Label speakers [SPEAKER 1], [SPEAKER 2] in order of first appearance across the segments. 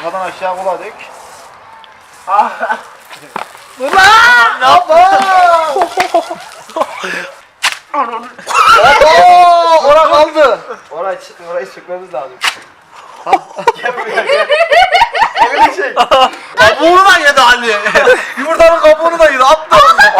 [SPEAKER 1] Ortadan aşağı kola dök. Ulan! Ne yapma? Ora kaldı. Orayı sökmemiz lazım. Gel buraya gel. Elini çek. Kabuğunu da yedi Ali. Yumurtanın kabuğunu da yedi. Attı.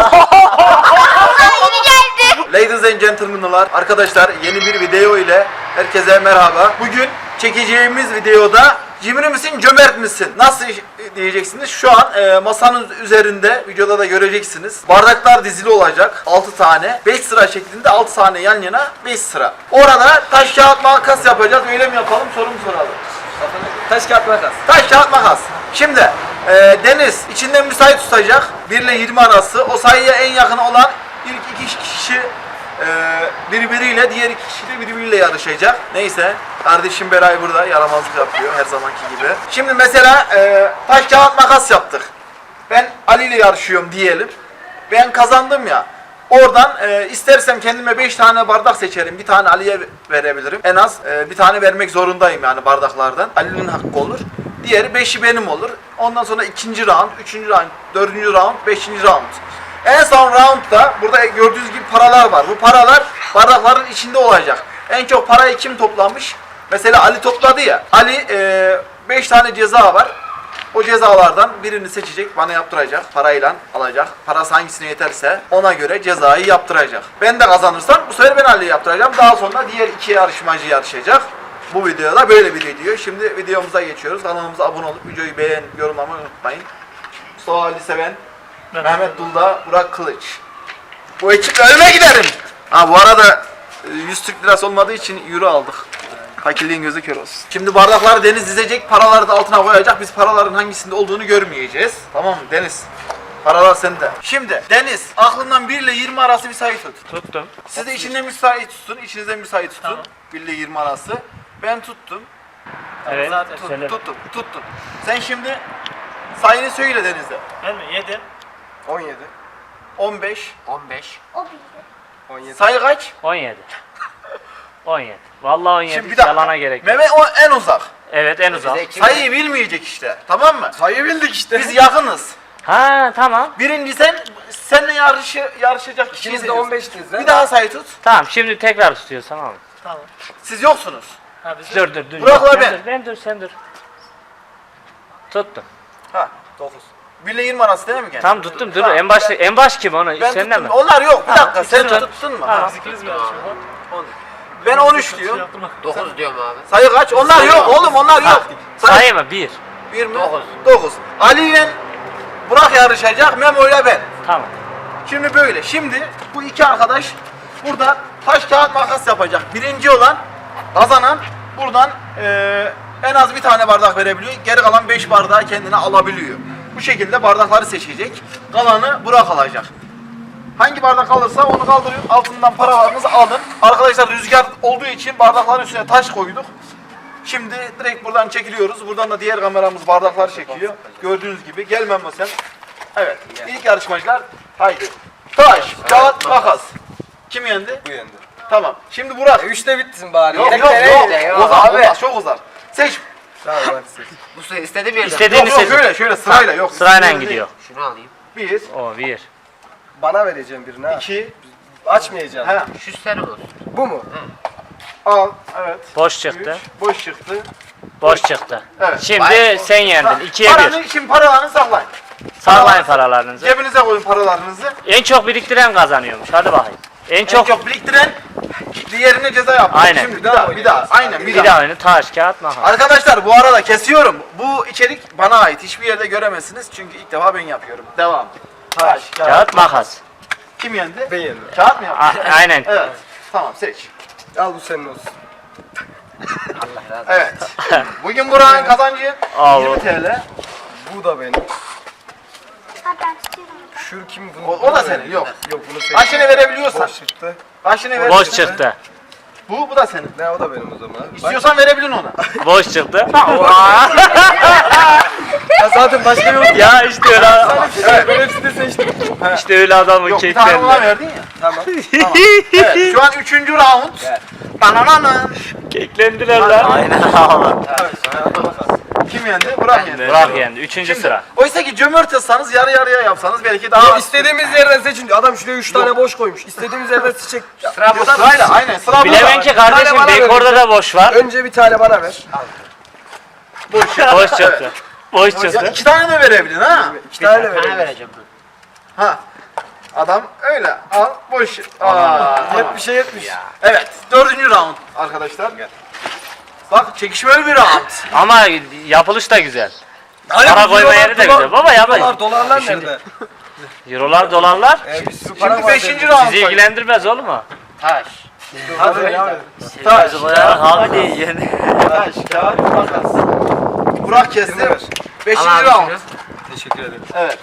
[SPEAKER 1] Ladies and gentlemen'lar, arkadaşlar yeni bir video ile herkese merhaba. Bugün çekeceğimiz videoda cimri misin, cömert misin? Nasıl diyeceksiniz? Şu an masanın üzerinde, videoda da göreceksiniz. Bardaklar dizili olacak. 6 tane. 5 sıra şeklinde 6 tane yan yana 5 sıra. Orada taş kağıt makas yapacağız. Öyle mi yapalım? Soru mu soralım?
[SPEAKER 2] Taş kağıt makas.
[SPEAKER 1] Taş kağıt makas. Şimdi Deniz içinden müsait tutacak. 1 ile 20 arası. O sayıya en yakın olan ilk 2 kişi birbiriyle, diğer 2 kişi de birbiriyle yarışacak. Neyse, kardeşim Beray burada yaramazlık yapıyor her zamanki gibi. Şimdi mesela taş kağıt makas yaptık. Ben Ali ile yarışıyorum diyelim. Ben kazandım ya. Oradan istersem kendime 5 tane bardak seçerim. Bir tane Ali'ye verebilirim. En az bir tane vermek zorundayım yani bardaklardan. Ali'nin hakkı olur. Diğeri 5'i benim olur. Ondan sonra 2. round, 3. round, 4. round, 5. round. En son roundda burada gördüğünüz gibi paralar var. Bu paralar bardakların içinde olacak. En çok parayı kim toplamış? Mesela Ali topladı ya. Ali 5 tane ceza var. O cezalardan birini seçecek, bana yaptıracak, parayla alacak. Parası hangisine yeterse ona göre cezayı yaptıracak. Ben de kazanırsam bu sefer ben Ali'ye yaptıracağım. Daha sonra diğer 2 yarışmacı yarışacak. Bu videoda böyle bir video. Şimdi videomuza geçiyoruz. Kanalımıza abone olup videoyu beğen, yorumlamayı unutmayın. Mustafa Ali Seven, Mehmet Dulda, Burak Kılıç. Bu ekiple ölüme giderim. Ha bu arada 100 Türk lirası olmadığı için euro aldık. Fakirliğin gözü kör olsun. Şimdi bardakları Deniz dizecek, paraları da altına koyacak. Biz paraların hangisinde olduğunu görmeyeceğiz. Tamam mı Deniz? Paralar sende. Şimdi Deniz, aklından 1 ile 20 arası bir sayı tut.
[SPEAKER 3] Tuttum.
[SPEAKER 1] Siz de içinde müsait tutun, içinizde müsait tutun.
[SPEAKER 3] Tamam.
[SPEAKER 1] 1 ile 20 arası. Ben tuttum.
[SPEAKER 3] Evet. Söyle.
[SPEAKER 1] Tuttum. Sen şimdi sayını söyle Deniz'de.
[SPEAKER 3] Ben mi? 7.
[SPEAKER 2] 17.
[SPEAKER 1] 15.
[SPEAKER 2] 15. 17.
[SPEAKER 1] Sayı kaç?
[SPEAKER 3] 17. 17. Vallahi 17.
[SPEAKER 1] Şimdi bir dakika.
[SPEAKER 3] Yalana gerek yok.
[SPEAKER 1] Mehmet o en uzak.
[SPEAKER 3] Evet en uzak.
[SPEAKER 1] Sayıyı bilmeyecek işte. Tamam mı?
[SPEAKER 2] Sayı bildik işte.
[SPEAKER 1] Biz yakınız.
[SPEAKER 3] Ha tamam.
[SPEAKER 1] Birinci seninle yarışacak kişiyi
[SPEAKER 2] İkiniz de
[SPEAKER 1] seçiyorsun.
[SPEAKER 2] 15'tiniz değil mi?
[SPEAKER 1] Bir daha sayı tut.
[SPEAKER 3] Tamam şimdi tekrar tutuyoruz tamam mı?
[SPEAKER 4] Tamam.
[SPEAKER 1] Siz yoksunuz.
[SPEAKER 3] Dur.
[SPEAKER 1] Burak'la
[SPEAKER 3] Sen
[SPEAKER 1] ben.
[SPEAKER 3] dur, sen dur. Tuttum.
[SPEAKER 1] Ha. 9. 1 ile 20 arası değil mi gene?
[SPEAKER 3] Tamam tuttum dur.
[SPEAKER 1] Tamam,
[SPEAKER 3] En baş kim onu?
[SPEAKER 1] Ben
[SPEAKER 3] Senden mi?
[SPEAKER 1] tuttum. Onlar yok. Bir
[SPEAKER 3] Tamam,
[SPEAKER 1] dakika. Sen
[SPEAKER 3] tutun.
[SPEAKER 1] tuttun mu?
[SPEAKER 3] Tamam.
[SPEAKER 1] Ha.
[SPEAKER 4] Biz ikimiz mi yarışıyoruz?
[SPEAKER 1] Ben 13 diyorum.
[SPEAKER 2] 9 diyorum abi.
[SPEAKER 1] Sayı kaç? Onlar yok oğlum. Onlar yok.
[SPEAKER 3] Sayı mı? 1.
[SPEAKER 1] 1 mi?
[SPEAKER 2] 9.
[SPEAKER 1] 9. Ali ile Burak yarışacak. Memo ile ben.
[SPEAKER 3] Tamam.
[SPEAKER 1] Şimdi böyle. Şimdi bu iki arkadaş burada taş kağıt makas yapacak. Birinci olan kazanan buradan en az bir tane bardak verebiliyor. Geri kalan 5 bardağı kendine alabiliyor. Bu şekilde bardakları seçecek. Kalanı Burak alacak. Hangi bardak alırsa onu kaldırın. Altından paralarınızı alın. Arkadaşlar rüzgar olduğu için bardakların üstüne taş koyduk. Şimdi direkt buradan çekiliyoruz. Buradan da diğer kameramız bardakları çekiyor. Gördüğünüz gibi. Gel Memo sen. Evet. İlk yarışmacılar. Haydi. Taş, kağıt, makas. Kim yendi?
[SPEAKER 2] Bu yendi.
[SPEAKER 1] Tamam. Şimdi Burak.
[SPEAKER 2] 3'te bitsin bari.
[SPEAKER 1] Yok.
[SPEAKER 2] Yok
[SPEAKER 1] Uzar,
[SPEAKER 2] abi.
[SPEAKER 1] uzar, çok uzar. Seç.
[SPEAKER 2] Tamam hadi seç. Bu sayı istediğim yerden.
[SPEAKER 3] İstediğini
[SPEAKER 1] Yok,
[SPEAKER 3] seç.
[SPEAKER 1] şöyle sırayla yok.
[SPEAKER 3] Sırayla gidiyor.
[SPEAKER 2] Şunu alayım.
[SPEAKER 1] 1,
[SPEAKER 3] O 1.
[SPEAKER 2] Bana vereceğim birini ha.
[SPEAKER 1] 2,
[SPEAKER 2] Açmayacağım.
[SPEAKER 1] he,
[SPEAKER 2] Şu sen olsun. Bu mu?
[SPEAKER 1] al, evet.
[SPEAKER 3] Boş çıktı.
[SPEAKER 1] 3, boş çıktı.
[SPEAKER 3] Boş çıktı.
[SPEAKER 1] Evet.
[SPEAKER 3] Şimdi sen yendin. 2'ye 1.
[SPEAKER 1] Paranı, şimdi paralarını saklayın.
[SPEAKER 3] Sağlayın paralarınızı.
[SPEAKER 1] Cebinize koyun paralarınızı.
[SPEAKER 3] En çok biriktiren kazanıyormuş. Hadi bakayım. En
[SPEAKER 1] En
[SPEAKER 3] çok
[SPEAKER 1] çok biriktiren diğerine ceza yaptı.
[SPEAKER 3] Aynen.
[SPEAKER 1] Şimdi bir daha. Aynen
[SPEAKER 3] bir daha oyunu taş kağıt makas.
[SPEAKER 1] Arkadaşlar bu arada kesiyorum. Bu içerik bana ait. Hiçbir yerde göremezsiniz. Çünkü ilk defa ben yapıyorum. Devam. Taş,
[SPEAKER 3] Kağıt makas.
[SPEAKER 1] Kim yendi?
[SPEAKER 2] Ben yendim.
[SPEAKER 1] Kağıt mı yaptı?
[SPEAKER 3] Aynen.
[SPEAKER 1] Evet. Tamam seç.
[SPEAKER 2] Al bu senin olsun.
[SPEAKER 5] Allah razı olsun.
[SPEAKER 1] Evet. Bugün Burak'ın kazancı
[SPEAKER 3] Al.
[SPEAKER 1] 20 TL.
[SPEAKER 2] Bu da benim.
[SPEAKER 6] Ben tutuyorum.
[SPEAKER 2] Şu kim bunu?
[SPEAKER 1] O da senin. Yok.
[SPEAKER 2] Yok bunu seç.
[SPEAKER 1] Kaçını verebiliyorsan.
[SPEAKER 2] Boş çıktı.
[SPEAKER 1] Kaçını
[SPEAKER 3] Boş
[SPEAKER 1] verebiliyorsan.
[SPEAKER 3] çıktı.
[SPEAKER 1] Bu da senin.
[SPEAKER 2] Ne o da benim o zaman.
[SPEAKER 1] İstiyorsan verebilin ona.
[SPEAKER 3] Boş çıktı.
[SPEAKER 2] Ya zaten başka yok.
[SPEAKER 3] Ya işte öyle.
[SPEAKER 2] Evet. Ben hepsini seçtim.
[SPEAKER 3] İşte öyle adamın
[SPEAKER 1] Yok bir tane ona
[SPEAKER 3] keklerini.
[SPEAKER 1] verdin ya.
[SPEAKER 2] Tamam.
[SPEAKER 1] Tamam. Evet şu an 3. round. Banananın.
[SPEAKER 3] Keklendiler lan. Aynen abi.
[SPEAKER 1] Kim yendi? Burak yendi.
[SPEAKER 3] Burak yendi. Üçüncü sıra.
[SPEAKER 1] Oysa ki cömert olsanız yarı yarıya yapsanız belki daha az.
[SPEAKER 2] İstediğimiz yerden seçin. Adam şuraya 3 tane boş koymuş. İstediğimiz yerden seçecek.
[SPEAKER 1] Sıra bu sırayla aynen sıra burada.
[SPEAKER 3] Bilemem ki kardeşim
[SPEAKER 2] bana
[SPEAKER 3] dekorda da boş var.
[SPEAKER 2] Önce bir tane bana ver.
[SPEAKER 3] Boş çıktı. Boş
[SPEAKER 1] Ya
[SPEAKER 3] çıktı.
[SPEAKER 1] 2 tane de verebilin ha.
[SPEAKER 2] 2 tane
[SPEAKER 5] Sana
[SPEAKER 2] ver.
[SPEAKER 5] vereceğim.
[SPEAKER 1] Ha. Adam öyle al boş. Aa.
[SPEAKER 2] Hep bir şey yetmiş.
[SPEAKER 1] Evet 4. round arkadaşlar. Bak çekişmeli bir round.
[SPEAKER 3] Ama yapılış da güzel. Para koyma yeri de güzel. Baba yapmayın.
[SPEAKER 2] Dolarlar nerede?
[SPEAKER 3] Eurolar, dolarlar
[SPEAKER 2] Bir sürü para
[SPEAKER 1] Şimdi
[SPEAKER 2] var.
[SPEAKER 1] 5.
[SPEAKER 2] dedi.
[SPEAKER 1] round.
[SPEAKER 3] sizi ilgilendirmez olur mu?
[SPEAKER 5] Taş.
[SPEAKER 2] Hadi ya.
[SPEAKER 1] Taş,
[SPEAKER 3] Abi değil yani.
[SPEAKER 1] taş, kağıt, makas. Burak kesti. 5.
[SPEAKER 5] Al abi
[SPEAKER 1] round.
[SPEAKER 5] şunu.
[SPEAKER 2] Teşekkür ederim.
[SPEAKER 1] Evet.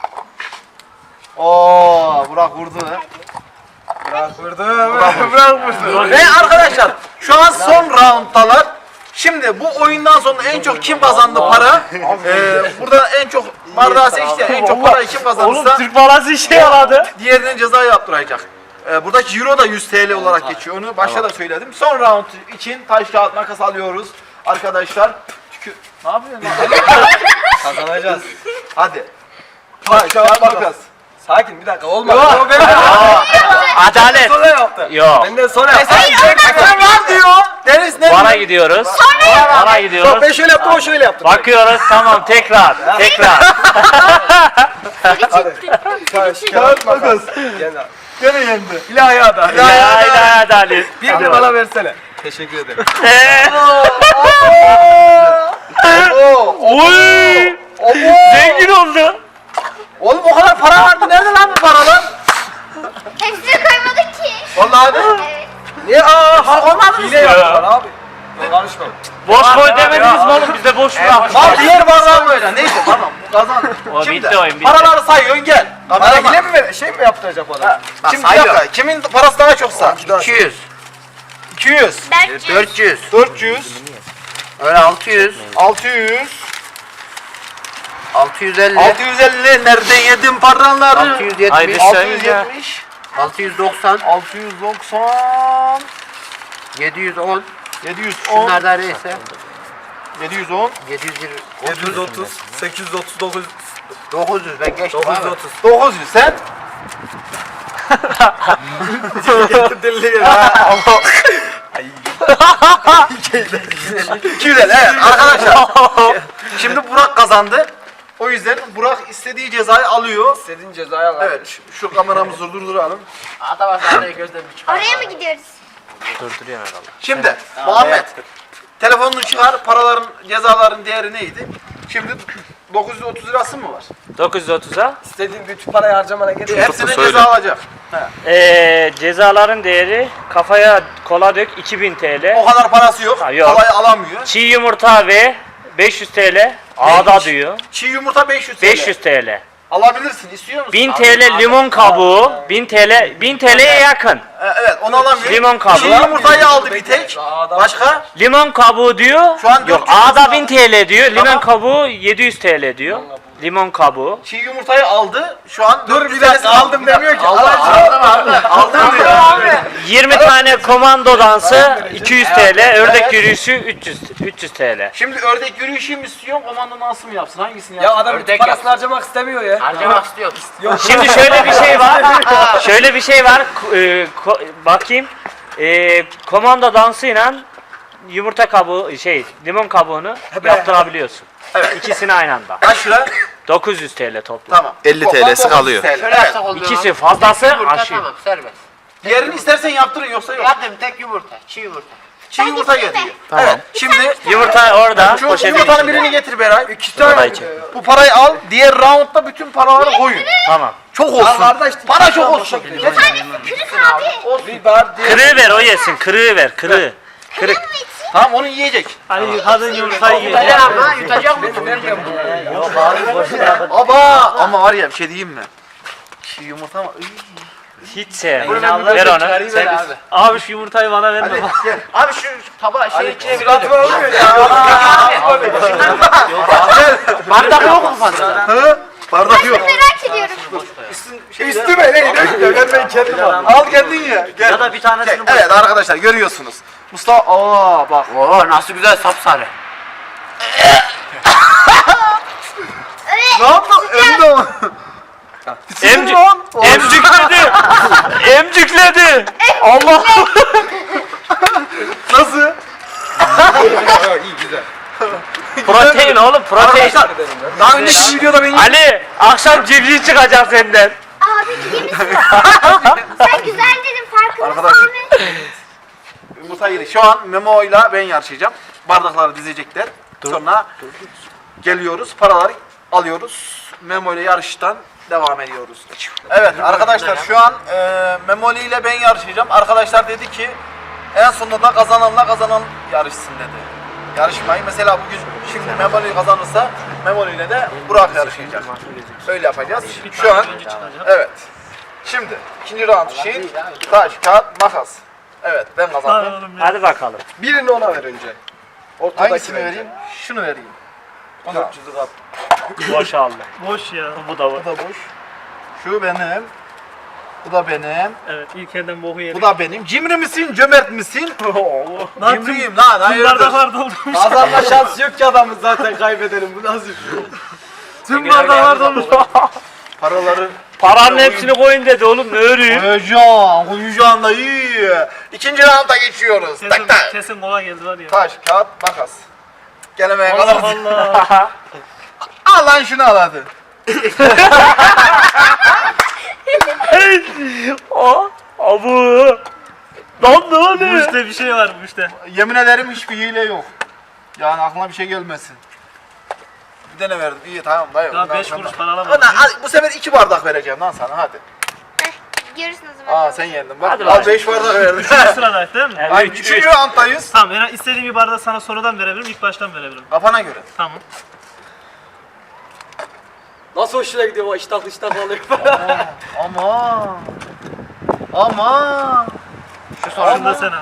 [SPEAKER 1] Oo, Burak vurdu.
[SPEAKER 2] Bırak vurdu. Bırak vurdu.
[SPEAKER 1] Ve arkadaşlar şu an son rounddalar. Şimdi bu oyundan sonra en çok kim kazandı para? Burada en çok bardağı seçti. En çok parayı kim kazanırsa
[SPEAKER 3] Türk balası işe yaradı.
[SPEAKER 1] diğerine ceza yaptıracak. Buradaki euro da 100 TL olarak geçiyor. Onu başta da söyledim. Son round için taş kağıt makas alıyoruz. Arkadaşlar. Ne yapıyorsun lan?
[SPEAKER 2] Kazanacağız.
[SPEAKER 1] Hadi. Taş kağıt makas.
[SPEAKER 2] Sakin bir dakika olmadı.
[SPEAKER 1] Yok.
[SPEAKER 3] Adalet.
[SPEAKER 2] Sonra yaptı.
[SPEAKER 3] Yok.
[SPEAKER 2] Benden sonra yaptı.
[SPEAKER 1] Sen var diyor. Deniz ne
[SPEAKER 3] Bana
[SPEAKER 1] diyor?
[SPEAKER 3] gidiyoruz. Bana gidiyoruz.
[SPEAKER 2] Ben şöyle yaptım o şöyle yaptı.
[SPEAKER 3] Bakıyoruz tamam tekrar. Tekrar.
[SPEAKER 2] Taş, kağıt, makas. Gel abi.
[SPEAKER 1] Gene yendi.
[SPEAKER 2] İlahi adam.
[SPEAKER 3] İlahi adalet.
[SPEAKER 2] Bir de bana versene. Teşekkür ederim.
[SPEAKER 3] Oy! Zengin oldu.
[SPEAKER 1] Oğlum o kadar para vardı. Nerede lan bu paralar?
[SPEAKER 6] Hepsini koymadık ki.
[SPEAKER 1] Vallahi de.
[SPEAKER 6] Evet.
[SPEAKER 1] Niye? Aa, olmadı mı?
[SPEAKER 2] Hile yaptılar abi. Karışma.
[SPEAKER 3] Boş koy demediniz mi oğlum? Biz de boş bıraktık.
[SPEAKER 1] Al diğer bardağı böyle. Neyse tamam. Bu kazandı.
[SPEAKER 3] O
[SPEAKER 1] Şimdi
[SPEAKER 3] bitti oyun, bitti.
[SPEAKER 1] paraları sayıyorsun gel.
[SPEAKER 2] Bana
[SPEAKER 1] Kameraman.
[SPEAKER 2] hile mi ver? Şey mi yaptıracak bana?
[SPEAKER 1] Şimdi bir dakika. Kimin parası daha çoksa?
[SPEAKER 5] 200.
[SPEAKER 1] 200.
[SPEAKER 6] Berkçe.
[SPEAKER 5] 400.
[SPEAKER 1] 400.
[SPEAKER 5] Öyle 600.
[SPEAKER 1] 600.
[SPEAKER 5] 650.
[SPEAKER 1] 650. Nerede yedin paraları?
[SPEAKER 5] 670.
[SPEAKER 3] Haydi.
[SPEAKER 1] 670.
[SPEAKER 5] 690.
[SPEAKER 1] 690.
[SPEAKER 5] 710.
[SPEAKER 1] 710.
[SPEAKER 5] Şunlardan neyse.
[SPEAKER 1] 710.
[SPEAKER 5] 720.
[SPEAKER 2] 730. 839.
[SPEAKER 5] 900 ben geçtim abi.
[SPEAKER 2] 930.
[SPEAKER 1] 900 sen?
[SPEAKER 2] Deli
[SPEAKER 1] Ama 250 evet arkadaşlar. Şimdi Burak kazandı. O yüzden Burak istediği cezayı alıyor.
[SPEAKER 2] İstediğin cezayı al.
[SPEAKER 1] Evet şu kameramızı durduralım.
[SPEAKER 5] Adam aslında gözlerini çıkar.
[SPEAKER 6] Oraya mı gidiyoruz?
[SPEAKER 3] Durduruyor herhalde.
[SPEAKER 1] Şimdi Muhammed telefonunu çıkar, paraların cezaların değeri neydi? Şimdi 930 lirası mı var?
[SPEAKER 3] 930'a.
[SPEAKER 2] İstediğin bütün parayı harcamana gerek yok.
[SPEAKER 1] Hepsine ceza alacak.
[SPEAKER 3] Cezaların değeri kafaya kola dök 2000 TL.
[SPEAKER 1] O kadar parası yok.
[SPEAKER 3] Ha, yok.
[SPEAKER 1] Kolay alamıyor.
[SPEAKER 3] Çiğ yumurta ve 500 TL. Ağda diyor.
[SPEAKER 1] Çiğ yumurta 500 TL.
[SPEAKER 3] 500 TL.
[SPEAKER 1] Alabilirsin. İstiyor musun?
[SPEAKER 3] 1000 TL limon kabuğu. 1000 TL'ye yakın.
[SPEAKER 1] Evet onu alamıyor.
[SPEAKER 3] Limon kabuğu.
[SPEAKER 1] Çiğ yumurtayı aldı bir tek. Başka?
[SPEAKER 3] Limon kabuğu diyor.
[SPEAKER 1] Şu an
[SPEAKER 3] Yok
[SPEAKER 1] 400
[SPEAKER 3] Ağda
[SPEAKER 1] lira.
[SPEAKER 3] 1000 TL diyor.
[SPEAKER 1] Tamam.
[SPEAKER 3] Limon kabuğu 700 TL diyor. Limon kabuğu.
[SPEAKER 1] Çiğ yumurtayı aldı. Şu an
[SPEAKER 2] Dur
[SPEAKER 1] 400
[SPEAKER 2] bir dakika
[SPEAKER 1] TL'sini
[SPEAKER 2] aldım demiyor ki.
[SPEAKER 1] Aldım diyor.
[SPEAKER 3] 20 tane komando dansı 200 TL. Ördek yürüyüşü 300 TL.
[SPEAKER 1] Şimdi ördek yürüyüşü mü istiyor, komando nasıl mı yapsın? Hangisini
[SPEAKER 2] Ya
[SPEAKER 1] yapsın?
[SPEAKER 2] adam bütün parasını harcamak istemiyor ya.
[SPEAKER 5] Harcamak istiyorum.
[SPEAKER 3] Şimdi şöyle bir şey var. Şöyle bir şey var. Bakayım. Komando dansıyla yumurta kabuğu limon kabuğunu yaptırabiliyorsun.
[SPEAKER 1] Evet.
[SPEAKER 3] İkisini aynı anda.
[SPEAKER 1] Kaç lira?
[SPEAKER 3] 900 TL toplam.
[SPEAKER 1] Tamam.
[SPEAKER 4] 50
[SPEAKER 1] Toplam
[SPEAKER 4] TL'si
[SPEAKER 1] 900
[SPEAKER 4] kalıyor.
[SPEAKER 1] TL.
[SPEAKER 5] Şöyle
[SPEAKER 1] Evet.
[SPEAKER 5] yapsak oluyor.
[SPEAKER 3] İkisi fazlası
[SPEAKER 5] Yumurta
[SPEAKER 3] aşıyor.
[SPEAKER 5] tamam serbest.
[SPEAKER 1] Diğerini istersen yaptırın yoksa yok.
[SPEAKER 5] Yaptım tek yumurta. Çiğ yumurta.
[SPEAKER 1] Çiğ yumurta getiriyor. Evet. Şimdi
[SPEAKER 3] Yumurta orada
[SPEAKER 1] şu
[SPEAKER 3] poşetin
[SPEAKER 1] yumurtanın
[SPEAKER 3] içinde.
[SPEAKER 1] birini getir Beray. İki tane.
[SPEAKER 3] Parayı çek.
[SPEAKER 1] Bu parayı al. Diğer roundda bütün paraları koyun.
[SPEAKER 3] Tamam.
[SPEAKER 1] Çok olsun.
[SPEAKER 2] kardeş,
[SPEAKER 1] Para çok olsun.
[SPEAKER 6] Tanesi kırık abi.
[SPEAKER 2] Bir bar diye.
[SPEAKER 3] Kırığı ver o yesin. Kırığı ver. Kırığı. Kırık.
[SPEAKER 1] Tamam onu yiyecek.
[SPEAKER 3] Hani kadın yumurtayı
[SPEAKER 5] Yutacak ama yutacak mı?
[SPEAKER 1] Aba ama var ya bir şey diyeyim mi? Çiğ yumurta mı?
[SPEAKER 3] Hiç sevmiyorum. Ver onu.
[SPEAKER 5] Ver abi.
[SPEAKER 3] Abi şu yumurtayı bana verme.
[SPEAKER 1] Gel.
[SPEAKER 5] Abi şu tabağı şey içine bir
[SPEAKER 2] Sıratı olmuyor ya.
[SPEAKER 5] bardak yok mu fazla?
[SPEAKER 1] Hı? Bardak yok.
[SPEAKER 6] Merak ediyorum.
[SPEAKER 2] Üstüme ne gidiyor? Ben kendim al.
[SPEAKER 1] Al kendin ye. Gel.
[SPEAKER 3] Ya da bir tanesini
[SPEAKER 1] Gel. Evet arkadaşlar görüyorsunuz. Mustafa bak.
[SPEAKER 5] Oo nasıl güzel sapsarı.
[SPEAKER 1] Ne yaptın? Önde mi?
[SPEAKER 3] Emcükledi. Emcükledi. Allah.
[SPEAKER 1] Nasıl?
[SPEAKER 2] İyi güzel.
[SPEAKER 3] Protein oğlum protein.
[SPEAKER 1] Arkadaşlar daha önceki videoda beni
[SPEAKER 3] Ali akşam civciv çıkacak senden.
[SPEAKER 6] Abi iyi misin? Sen güzel dedin farkındasın
[SPEAKER 1] Arkadaşım.
[SPEAKER 6] değil mi?
[SPEAKER 1] yumurta yedik. Şu an Memo ile ben yarışacağım. Bardakları dizecekler. Sonra geliyoruz. Paraları alıyoruz. Memo ile yarıştan devam ediyoruz. Evet arkadaşlar şu an Memoli ile ben yarışacağım. Arkadaşlar dedi ki en sonunda da kazanan yarışsın dedi. Yarışmayı mesela bugün şimdi Memoli kazanırsa Memoli ile de Burak yarışacak. Öyle yapacağız. Şu an evet. Şimdi ikinci round için taş, kağıt, makas. Evet ben kazandım.
[SPEAKER 3] Hadi bakalım.
[SPEAKER 2] Birini ona ver önce. Ortadaki
[SPEAKER 1] Hangisini vereyim? Şunu vereyim.
[SPEAKER 2] 400'ü kap.
[SPEAKER 3] Boş aldı.
[SPEAKER 4] Boş ya.
[SPEAKER 3] Bu da
[SPEAKER 1] Bu da boş. Şu benim. Bu da benim.
[SPEAKER 4] Evet ilk elden boku yedik.
[SPEAKER 1] Bu da benim. Cimri misin, cömert misin?
[SPEAKER 4] Lan
[SPEAKER 1] Cimriyim lan.
[SPEAKER 4] tüm
[SPEAKER 1] Hayırdır?
[SPEAKER 4] bardaklar dolmuş.
[SPEAKER 2] Kazanma şansı yok ki adamın zaten kaybedelim. Bu nasıl bir şey?
[SPEAKER 4] Tüm bardaklar dolmuş.
[SPEAKER 1] Paraları
[SPEAKER 3] Paranın hepsini koyun dedi oğlum ne örüyüm.
[SPEAKER 1] koyacağım da iyi. İkinci rounda geçiyoruz. Tak
[SPEAKER 4] Kesin,
[SPEAKER 1] tak.
[SPEAKER 4] kesin kola geldi var ya.
[SPEAKER 1] Taş, kağıt, makas. Gelemeye
[SPEAKER 4] Allah
[SPEAKER 1] kadar.
[SPEAKER 4] Allah.
[SPEAKER 1] Al lan şunu al hadi.
[SPEAKER 3] Abu. Lan ne
[SPEAKER 4] Bu
[SPEAKER 3] oluyor?
[SPEAKER 4] işte bir şey var bu işte.
[SPEAKER 1] Yemin ederim hiçbir hile yok. Yani aklına bir şey gelmesin. Bir tane verdim. İyi tamam dayı.
[SPEAKER 4] Daha
[SPEAKER 1] Ondan
[SPEAKER 4] 5
[SPEAKER 1] sonra-
[SPEAKER 4] kuruş para alamadım.
[SPEAKER 1] Ana, al, bu sefer 2 bardak vereceğim lan sana hadi.
[SPEAKER 6] Görürsün o zaman.
[SPEAKER 1] Aa sen yendin bak.
[SPEAKER 3] Hadi
[SPEAKER 1] Al
[SPEAKER 3] bakayım.
[SPEAKER 1] 5 bardak verdim.
[SPEAKER 4] Sıradayız değil mi?
[SPEAKER 3] Evet,
[SPEAKER 1] Ay
[SPEAKER 3] üç,
[SPEAKER 1] 3. rounddayız.
[SPEAKER 4] Tamam ben istediğim bir bardağı sana sonradan verebilirim, ilk baştan verebilirim.
[SPEAKER 1] Kafana göre.
[SPEAKER 4] Tamam.
[SPEAKER 2] Nasıl hoşuna gidiyor o iştahlı iştahlı alıyor.
[SPEAKER 1] Ama. Ama.
[SPEAKER 4] Şu sonunu da sen al.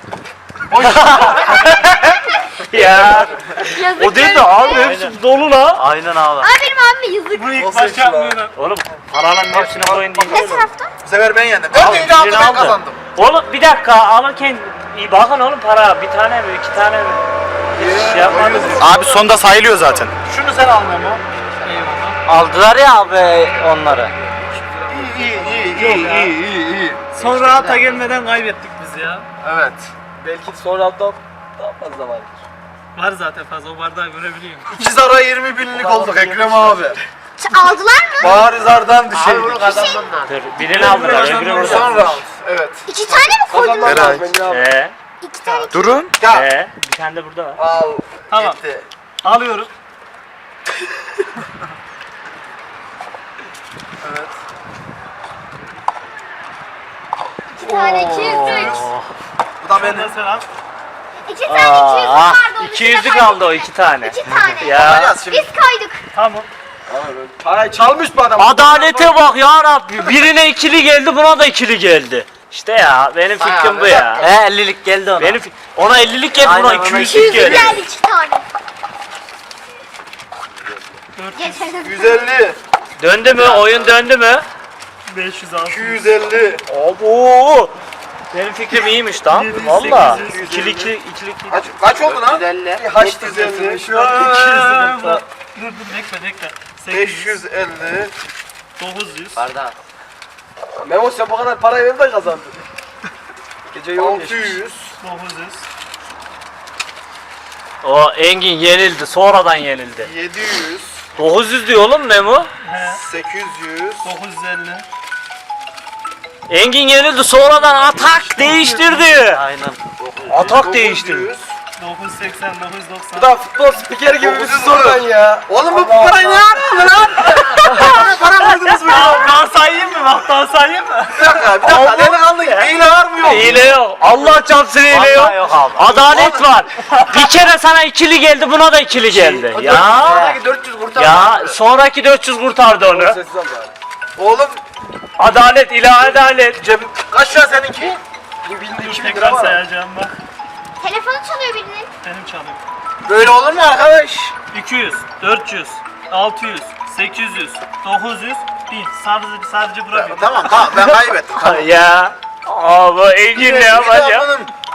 [SPEAKER 3] Ya.
[SPEAKER 6] Yazık.
[SPEAKER 3] O değil de abi hepsi dolu la. Aynen abi.
[SPEAKER 6] Aa benim abime yazık.
[SPEAKER 4] Bunu ilk
[SPEAKER 1] Nasıl
[SPEAKER 4] başta
[SPEAKER 1] yapıyor lan?
[SPEAKER 4] yapmıyorsun.
[SPEAKER 3] Oğlum paranın hepsini koyun değil.
[SPEAKER 6] Ne tarafta?
[SPEAKER 1] Bu sefer ben yendim.
[SPEAKER 3] Al,
[SPEAKER 1] 4. roundu
[SPEAKER 3] birini
[SPEAKER 1] ben
[SPEAKER 3] aldı.
[SPEAKER 1] kazandım.
[SPEAKER 3] Oğlum bir dakika alırken iyi bakın oğlum para bir tane mi iki tane mi? Hiç şey yapmadınız.
[SPEAKER 7] Abi sonda sayılıyor zaten.
[SPEAKER 1] Şunu sen al Memo.
[SPEAKER 3] Aldılar ya abi onları.
[SPEAKER 1] İyi.
[SPEAKER 4] Son rahata gelmeden kaybettik biz ya.
[SPEAKER 1] Evet.
[SPEAKER 2] Belki sonra daha fazla var.
[SPEAKER 4] Var zaten fazla o bardağı görebiliyorum.
[SPEAKER 1] 2 zara 20 binlik olduk Ekrem abi.
[SPEAKER 6] Aldılar mı?
[SPEAKER 1] Barizardan düşeydik.
[SPEAKER 5] Bunu kazandın lan.
[SPEAKER 3] Dur birini aldılar öbürü burada.
[SPEAKER 1] Son round. Evet.
[SPEAKER 6] 2 tane mi koydun?
[SPEAKER 7] Eray.
[SPEAKER 6] 2 tane.
[SPEAKER 7] Durun.
[SPEAKER 1] Ya.
[SPEAKER 3] Bir tane de burada var.
[SPEAKER 1] Al.
[SPEAKER 4] Tamam.
[SPEAKER 1] Gitti.
[SPEAKER 4] Alıyorum.
[SPEAKER 1] Evet.
[SPEAKER 6] 2 tane 200 3.
[SPEAKER 1] Bu da
[SPEAKER 4] Bunu da
[SPEAKER 1] benim.
[SPEAKER 4] sen al.
[SPEAKER 6] 2 tane 200 vardı. onun içinde
[SPEAKER 3] 200'lük aldı o iki tane.
[SPEAKER 6] 2 tane.
[SPEAKER 3] Ya.
[SPEAKER 1] Bakacağız şimdi.
[SPEAKER 6] Biz koyduk.
[SPEAKER 4] Tamam.
[SPEAKER 2] Parayı çalmış bu adam.
[SPEAKER 3] Adalete bak ya Rabbi. Birine ikili geldi buna da ikili geldi. İşte ya benim fikrim bu ya.
[SPEAKER 5] He 50'lik geldi ona.
[SPEAKER 3] Benim ona 50'lik geldi buna
[SPEAKER 5] Aynen, ona
[SPEAKER 3] 200'lük
[SPEAKER 6] 200
[SPEAKER 3] geldi.
[SPEAKER 6] geldi 2 tane. Geçen
[SPEAKER 1] 150.
[SPEAKER 3] Döndü mü? Oyun döndü mü?
[SPEAKER 4] 500 al.
[SPEAKER 1] 250.
[SPEAKER 3] Abo. Benim fikrim iyiymiş lan.
[SPEAKER 4] 700,
[SPEAKER 3] Valla.
[SPEAKER 4] 800,
[SPEAKER 3] 2'li 2
[SPEAKER 1] Kaç oldu lan?
[SPEAKER 5] 150.
[SPEAKER 1] Haç 150.
[SPEAKER 4] Dur bekle. 800,
[SPEAKER 1] 550.
[SPEAKER 4] 900,
[SPEAKER 5] Bardağı.
[SPEAKER 2] Memo sen bu kadar parayı ver de kazandın. Gece yoğun geçmiş.
[SPEAKER 1] 600.
[SPEAKER 4] 900,
[SPEAKER 3] O Engin yenildi. Sonradan yenildi.
[SPEAKER 1] 700.
[SPEAKER 3] 900 diyor oğlum Memo.
[SPEAKER 4] he,
[SPEAKER 1] 800.
[SPEAKER 4] 950,
[SPEAKER 3] Engin yenildi. Sonradan atak değiştirdi.
[SPEAKER 7] Aynen.
[SPEAKER 3] Atak değiştirdi.
[SPEAKER 4] 980, 990.
[SPEAKER 2] Bu da futbol spikeri gibi bir şey oradan ya.
[SPEAKER 1] Oğlum bu parayı ne yaptın lan? Para verdiniz mi?
[SPEAKER 4] Daha sayayım mı? Bak daha sayayım mı?
[SPEAKER 1] Bir dakika. Delikanlı hile var mı yok?
[SPEAKER 3] Hile yok. Allah çarpsın hile yok. Adalet var. Bir kere sana ikili geldi buna da ikili geldi. Ya.
[SPEAKER 5] Oradaki 400 kurtar.
[SPEAKER 3] Ya sonraki 400 kurtardı onu.
[SPEAKER 2] Sessiz ol bari.
[SPEAKER 1] Oğlum
[SPEAKER 3] Adalet ilahi adalet.
[SPEAKER 1] kaç lira seninki?
[SPEAKER 2] Bu 1000
[SPEAKER 4] Dur
[SPEAKER 2] 2000 lira
[SPEAKER 4] tekrar
[SPEAKER 2] var.
[SPEAKER 4] sayacağım bak.
[SPEAKER 6] Telefonu çalıyor birinin.
[SPEAKER 4] Benim çalıyor.
[SPEAKER 1] Böyle olur mu arkadaş?
[SPEAKER 4] 200, 400, 600, 800, 900, 1000. Sadece bırakıyorum.
[SPEAKER 1] Tamam ben kaybettim. Tamam.
[SPEAKER 3] Ya. Abi Engin ne yapacak?
[SPEAKER 1] Bunun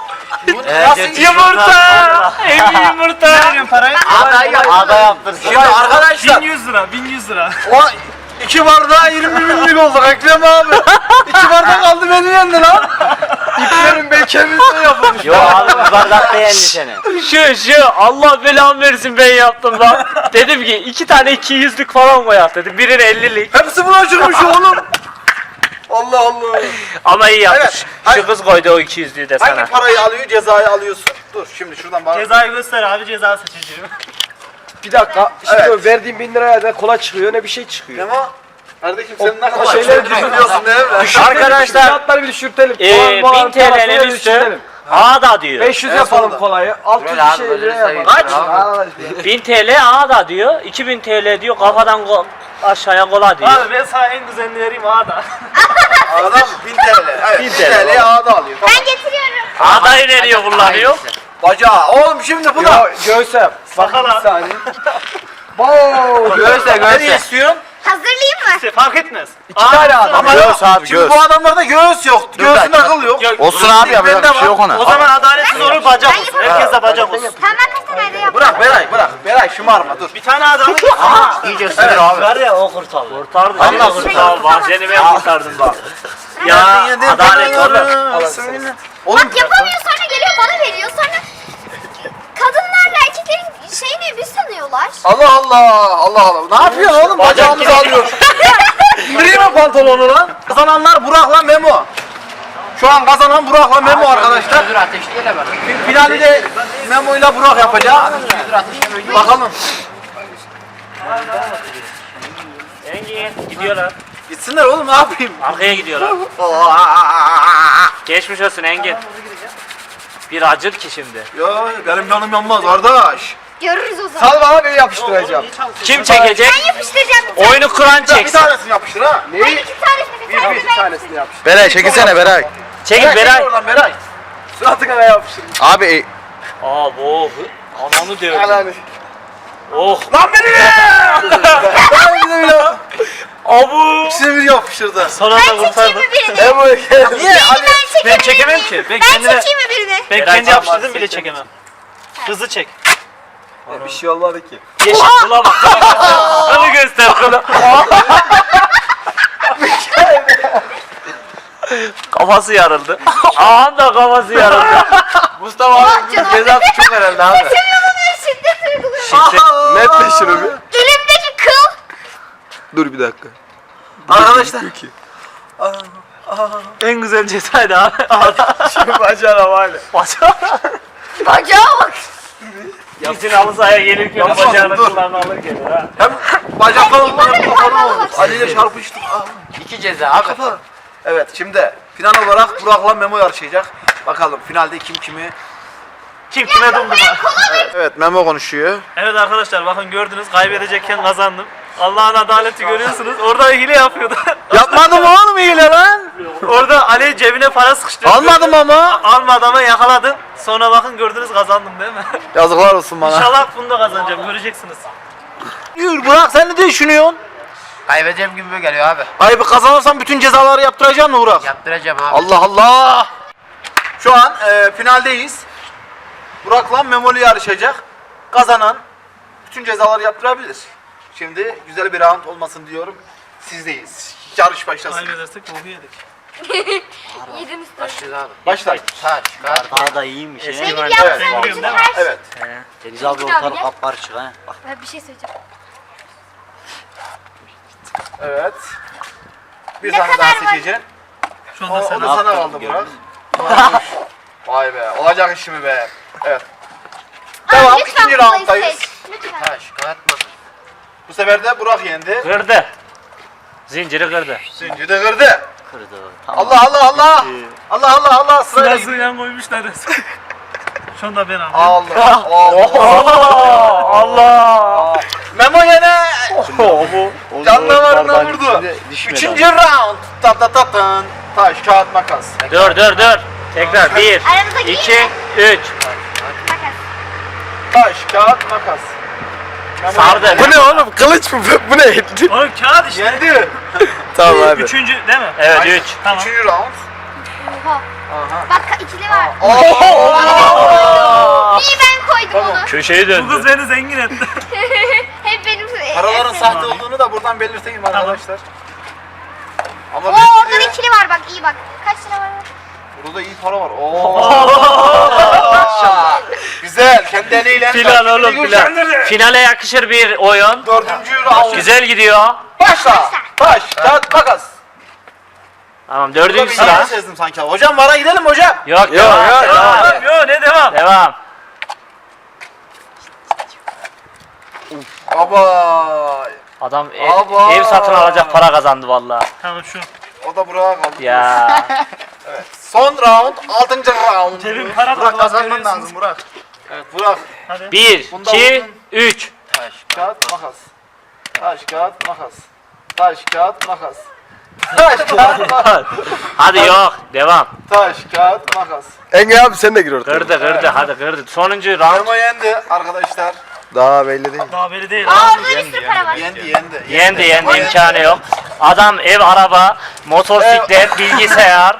[SPEAKER 1] Nasıl
[SPEAKER 3] Yumurta! Emin
[SPEAKER 4] Ne
[SPEAKER 3] yumurta!
[SPEAKER 4] veriyorsun parayı?
[SPEAKER 5] Ada yaptırsın.
[SPEAKER 1] Şimdi arkadaşlar
[SPEAKER 4] 1100 lira, 1100 lira.
[SPEAKER 1] o 2 bardağa 20 binlik oldu Ekrem abi. 2 bardak aldı beni yendi lan.
[SPEAKER 2] İplerin bekemizde yapılmış.
[SPEAKER 5] Yo abi bir bardak beğendi seni.
[SPEAKER 3] Şu Allah belamı versin ben yaptım lan. Dedim ki 2 tane 200'lük falan koyak dedim. Birine 50'lik.
[SPEAKER 1] Hepsi buna çıkmış oğlum. Allah Allah.
[SPEAKER 3] Ama iyi yapmış.
[SPEAKER 1] Evet,
[SPEAKER 3] Şu
[SPEAKER 1] hayır.
[SPEAKER 3] kız koydu o 200'lüğü de sana.
[SPEAKER 1] Hangi parayı alıyor, cezayı alıyorsun? Dur şimdi şuradan bak.
[SPEAKER 4] Cezayı göster abi, ceza seçeceğim.
[SPEAKER 2] Bir dakika. Şimdi
[SPEAKER 1] Evet.
[SPEAKER 2] verdiğim 1000 liraya ne kola çıkıyor ne bir şey çıkıyor.
[SPEAKER 1] Memo. Kardeşim sen ne kadar
[SPEAKER 2] şeyleri
[SPEAKER 1] düşünüyorsun değil mi?
[SPEAKER 3] Arkadaşlar
[SPEAKER 2] Fiyatları bir düşürtelim.
[SPEAKER 3] 1000 TL'nin üstü A'da diyor.
[SPEAKER 2] 500
[SPEAKER 1] En
[SPEAKER 2] yapalım
[SPEAKER 1] sonunda.
[SPEAKER 2] kolayı. 600
[SPEAKER 5] Böyle
[SPEAKER 2] bir
[SPEAKER 5] abi,
[SPEAKER 2] şey
[SPEAKER 5] böyle
[SPEAKER 2] liraya
[SPEAKER 5] sayın.
[SPEAKER 2] yapalım.
[SPEAKER 5] Kaç?
[SPEAKER 3] 1000 TL A'da diyor. 2000 TL diyor kafadan aşağıya kola diyor.
[SPEAKER 4] Abi ben sana en güzelini vereyim A'da.
[SPEAKER 1] Adam 1000 TL. Evet 1000 TL'yi ağda alıyor. Tamam.
[SPEAKER 6] Ben getiriyorum.
[SPEAKER 3] A'dayı nereye kullanıyor?
[SPEAKER 1] Bacağı. Oğlum şimdi bu da.
[SPEAKER 2] Yo göğsem.
[SPEAKER 4] Sakal
[SPEAKER 2] Bir
[SPEAKER 4] abi.
[SPEAKER 2] saniye. Wow.
[SPEAKER 5] Göğse
[SPEAKER 1] Ne istiyorsun?
[SPEAKER 6] Hazırlayayım mı?
[SPEAKER 4] İşte fark etmez.
[SPEAKER 2] 2 tane adam.
[SPEAKER 1] Ama
[SPEAKER 7] Göğüs abi,
[SPEAKER 1] şimdi
[SPEAKER 7] göğüs.
[SPEAKER 1] bu adamlarda göğüs yok. Göğsünde akıl yok.
[SPEAKER 7] Olsun abi yapacak bir şey yok
[SPEAKER 4] O
[SPEAKER 7] ona.
[SPEAKER 4] zaman adaletsiz olur, bacak olsun. Herkes de bacak olsun.
[SPEAKER 6] Tamam ben kaç tane yap.
[SPEAKER 1] Bırak Beray bırak. Beray şımarma dur.
[SPEAKER 4] Bir tane adamın
[SPEAKER 5] İyice ısınır abi.
[SPEAKER 3] Var ya o kurtardı. Kurtardı.
[SPEAKER 6] Allah
[SPEAKER 3] Allah
[SPEAKER 6] kurtardı.
[SPEAKER 3] kurtardı. Bak seni ben kurtardım bak. Ya adalet olur.
[SPEAKER 1] Oğlum
[SPEAKER 6] Bak yapamıyor sonra geliyor bana veriyor sonra kadınlarla erkeklerin şeyini bir sanıyorlar.
[SPEAKER 1] Allah Allah. Allah Allah. Ne yapıyorsun oğlum? Bacağımızı alıyor. İndireyim mi pantolonu lan? Kazananlar Burak'la Memo. Şu an kazanan Burak'la Memo arkadaşlar.
[SPEAKER 5] Dur ateşleyelim bak.
[SPEAKER 1] Finali de Memo ile Burak yapacak.
[SPEAKER 5] Dur ateşleyelim.
[SPEAKER 1] Bakalım.
[SPEAKER 3] Engin gidiyorlar.
[SPEAKER 1] Gitsinler oğlum ne yapayım?
[SPEAKER 3] Arkaya gidiyorlar. Geçmiş olsun Engin. Bir acır ki şimdi.
[SPEAKER 1] Ya benim canım yanmaz kardeş.
[SPEAKER 6] Görürüz o zaman.
[SPEAKER 2] Sal bana beni yapıştıracağım.
[SPEAKER 3] Kim çekecek?
[SPEAKER 6] Ben yapıştıracağım.
[SPEAKER 3] Oyunu kuran
[SPEAKER 1] Bir
[SPEAKER 3] çeksin.
[SPEAKER 1] tanesini yapıştır ha.
[SPEAKER 6] Ben iki tanesini bir tanesini
[SPEAKER 2] Bir
[SPEAKER 6] ben
[SPEAKER 2] tanesini yapıştır.
[SPEAKER 7] Beray çekilsene Beray.
[SPEAKER 3] Çekil Beray.
[SPEAKER 1] Oradan Beray.
[SPEAKER 2] Suratına yapıştır.
[SPEAKER 7] Abi
[SPEAKER 3] Aa bu ananı diyor.
[SPEAKER 2] Ananı.
[SPEAKER 3] Oh.
[SPEAKER 1] Lan beni ne? Ben bir de bile.
[SPEAKER 3] Abu.
[SPEAKER 1] İkisini bir yapıştırdı.
[SPEAKER 3] Son
[SPEAKER 6] Ben
[SPEAKER 3] anda
[SPEAKER 6] çekeyim
[SPEAKER 3] kurtardı.
[SPEAKER 6] mi birini?
[SPEAKER 2] Emo gel.
[SPEAKER 1] Niye? Ali
[SPEAKER 4] Ben çekemem ki. Ben
[SPEAKER 6] Ben
[SPEAKER 4] kendime
[SPEAKER 6] çekeyim mi birini?
[SPEAKER 4] ben
[SPEAKER 3] Beray
[SPEAKER 4] kendi
[SPEAKER 3] çekmez.
[SPEAKER 4] yapıştırdım bile çekemem. Hızlı çek.
[SPEAKER 2] Bir şey olmadı ki.
[SPEAKER 3] Yeşil kula bak. Kılı göster kılı. Kafası yarıldı. Ağam da kafası yarıldı.
[SPEAKER 2] Mustafa abi
[SPEAKER 6] canım.
[SPEAKER 2] cezası çok herhalde abi.
[SPEAKER 6] Seviyorum şiddet uyguluyorum.
[SPEAKER 2] Netle şunu bir.
[SPEAKER 6] Elimdeki kıl.
[SPEAKER 2] Dur bir dakika.
[SPEAKER 1] Arkadaşlar.
[SPEAKER 3] En güzel cezaydı abi.
[SPEAKER 2] Şu bacağına var ya.
[SPEAKER 6] Bacağa bak.
[SPEAKER 3] Gitsin halı sahaya gelirken
[SPEAKER 1] Yapma,
[SPEAKER 3] bacağını
[SPEAKER 1] dur.
[SPEAKER 3] kulağına alır gelir ha.
[SPEAKER 1] Hem bacaklarım var hem
[SPEAKER 6] Böyle
[SPEAKER 1] kafanı
[SPEAKER 6] parmağına
[SPEAKER 1] olmuş.
[SPEAKER 6] bak.
[SPEAKER 1] Ali ile çarpıştık. Ah.
[SPEAKER 5] 2 ceza abi.
[SPEAKER 1] Evet şimdi final olarak Burak'la Memo yarışacak. Bakalım finalde kim kimi.
[SPEAKER 4] Kim kime dumduma.
[SPEAKER 7] evet Memo konuşuyor.
[SPEAKER 4] Evet arkadaşlar bakın gördünüz kaybedecekken kazandım. Allah'ın adaleti görüyorsunuz. Orada hile yapıyordu.
[SPEAKER 1] Yapmadım oğlum hile lan.
[SPEAKER 4] Orada Ali cebine para sıkıştırdı.
[SPEAKER 1] Almadım ama.
[SPEAKER 4] Almadı ama yakaladım. Sonra bakın gördünüz kazandım değil mi?
[SPEAKER 1] Yazıklar olsun bana.
[SPEAKER 4] İnşallah bunu da kazanacağım göreceksiniz.
[SPEAKER 1] Yürü Burak sen ne düşünüyorsun?
[SPEAKER 5] Kaybedeceğim gibi geliyor abi.
[SPEAKER 1] Ay bir kazanırsan bütün cezaları yaptıracaksın mı Burak?
[SPEAKER 5] Yaptıracağım abi.
[SPEAKER 1] Allah Allah. Şu an finaldeyiz. Burak'la Memoli yarışacak. Kazanan bütün cezaları yaptırabilir. Şimdi güzel bir round olmasın diyorum. Sizdeyiz. Yarış başlasın.
[SPEAKER 4] Kaybedersek boku yedik.
[SPEAKER 6] Yediniz tabii.
[SPEAKER 5] Başlıyoruz abi.
[SPEAKER 1] Başla.
[SPEAKER 5] Taş, kağıt.
[SPEAKER 3] Daha da iyiymiş.
[SPEAKER 6] Benim
[SPEAKER 1] Evet.
[SPEAKER 6] yaptığım
[SPEAKER 4] Biliyorum
[SPEAKER 6] bütün
[SPEAKER 4] değil mi?
[SPEAKER 6] her şey.
[SPEAKER 1] Evet.
[SPEAKER 3] Deniz
[SPEAKER 6] abi ortalık
[SPEAKER 3] kapkarışık ha. Bak.
[SPEAKER 6] Ben bir şey söyleyeceğim.
[SPEAKER 1] Evet. Bir
[SPEAKER 6] Ne
[SPEAKER 1] tane daha
[SPEAKER 6] kadar var?
[SPEAKER 1] seçeceksin.
[SPEAKER 4] Şu
[SPEAKER 1] O,
[SPEAKER 4] anda
[SPEAKER 1] o
[SPEAKER 4] sen
[SPEAKER 1] da sana kaldı Burak. Vay be. Olacak iş mi be? Evet. Devam.
[SPEAKER 6] Lütfen
[SPEAKER 1] İkinci
[SPEAKER 6] kolayı
[SPEAKER 1] rounddayız.
[SPEAKER 6] seç. Lütfen.
[SPEAKER 5] Taş, kağıt, makas.
[SPEAKER 1] Bu sefer de Burak yendi.
[SPEAKER 3] Kırdı. Zinciri kırdı.
[SPEAKER 1] Zinciri de kırdı.
[SPEAKER 3] Kırdı.
[SPEAKER 1] Allah Allah Allah. Allah Allah Allah. Sırayla gidiyor.
[SPEAKER 4] sırasıyla koymuşlar resmen. Şu anda ben aldım.
[SPEAKER 1] Allah. Allah.
[SPEAKER 3] Allah.
[SPEAKER 1] Memo yine canlılarına vurdu. Üçüncü round. Ta ta ta tan. Taş, kağıt, makas.
[SPEAKER 3] Dur. Tekrar 1,
[SPEAKER 6] Aramıza
[SPEAKER 3] 2,
[SPEAKER 6] girme.
[SPEAKER 3] 3.
[SPEAKER 6] Makas.
[SPEAKER 1] Taş, kağıt, makas. Memo
[SPEAKER 3] Sardı.
[SPEAKER 2] Bu ne oğlum? Kılıç mı? Bu ne?
[SPEAKER 4] Oğlum kağıt işte.
[SPEAKER 1] yendi.
[SPEAKER 2] Tamam abi.
[SPEAKER 4] Üçüncü değil mi?
[SPEAKER 3] Evet 3.
[SPEAKER 4] Tamam.
[SPEAKER 1] Üçüncü round.
[SPEAKER 6] Oha. Bak ikili var. Niye ben koydum onu?
[SPEAKER 3] Köşeyi
[SPEAKER 4] Bu kız
[SPEAKER 3] döndü.
[SPEAKER 4] beni zengin etti.
[SPEAKER 6] Hep benim.
[SPEAKER 1] Paraların
[SPEAKER 6] hep
[SPEAKER 1] sahte
[SPEAKER 6] benim.
[SPEAKER 1] olduğunu da buradan belirteyim arkadaşlar. Ama
[SPEAKER 6] Oo
[SPEAKER 1] belki
[SPEAKER 6] orada
[SPEAKER 1] de
[SPEAKER 6] ikili var bak iyi bak. Kaç lira var?
[SPEAKER 1] burada iyi para var. Güzel. Kendi eliyle.
[SPEAKER 3] Final oğlum final. Finale yakışır bir oyun.
[SPEAKER 1] 4. round.
[SPEAKER 3] Güzel gidiyor.
[SPEAKER 1] Başla. Baş. Kağıt makas.
[SPEAKER 3] Tamam
[SPEAKER 1] Burada
[SPEAKER 3] dördüncü
[SPEAKER 1] bir
[SPEAKER 3] sıra.
[SPEAKER 1] yanlış yazdım sanki. Hocam vara gidelim hocam.
[SPEAKER 3] Yok devam.
[SPEAKER 4] Yo ne devam?
[SPEAKER 3] Devam.
[SPEAKER 1] Baba.
[SPEAKER 3] Adam
[SPEAKER 1] Aba.
[SPEAKER 3] ev satın alacak para kazandı vallahi.
[SPEAKER 4] Tamam şu.
[SPEAKER 1] O da buraya kaldı.
[SPEAKER 3] Ya.
[SPEAKER 1] Son round. 6. round.
[SPEAKER 4] Cebim para
[SPEAKER 1] Burak
[SPEAKER 4] dolu,
[SPEAKER 1] kazanman
[SPEAKER 4] görüyorsunuz.
[SPEAKER 1] lazım Burak. Evet Burak.
[SPEAKER 3] 1,
[SPEAKER 1] Bunda
[SPEAKER 3] 2,
[SPEAKER 1] uzun.
[SPEAKER 3] 3.
[SPEAKER 1] Kağıt makas. Taş kağıt makas. Taş kağıt makas. Taş kağıt makas.
[SPEAKER 3] Hadi yok. Devam.
[SPEAKER 1] Taş kağıt makas.
[SPEAKER 2] Engin abi sen de gir ortaya.
[SPEAKER 3] Kırdı. Hadi kırdı. Sonuncu round.
[SPEAKER 1] Memo yendi arkadaşlar.
[SPEAKER 2] Daha belli değil.
[SPEAKER 4] Daha beri değil.
[SPEAKER 6] Aa orada bir sürü para var.
[SPEAKER 1] Yendi.
[SPEAKER 3] Yendi imkanı yok. Adam ev, araba, motosiklet, bilgisayar,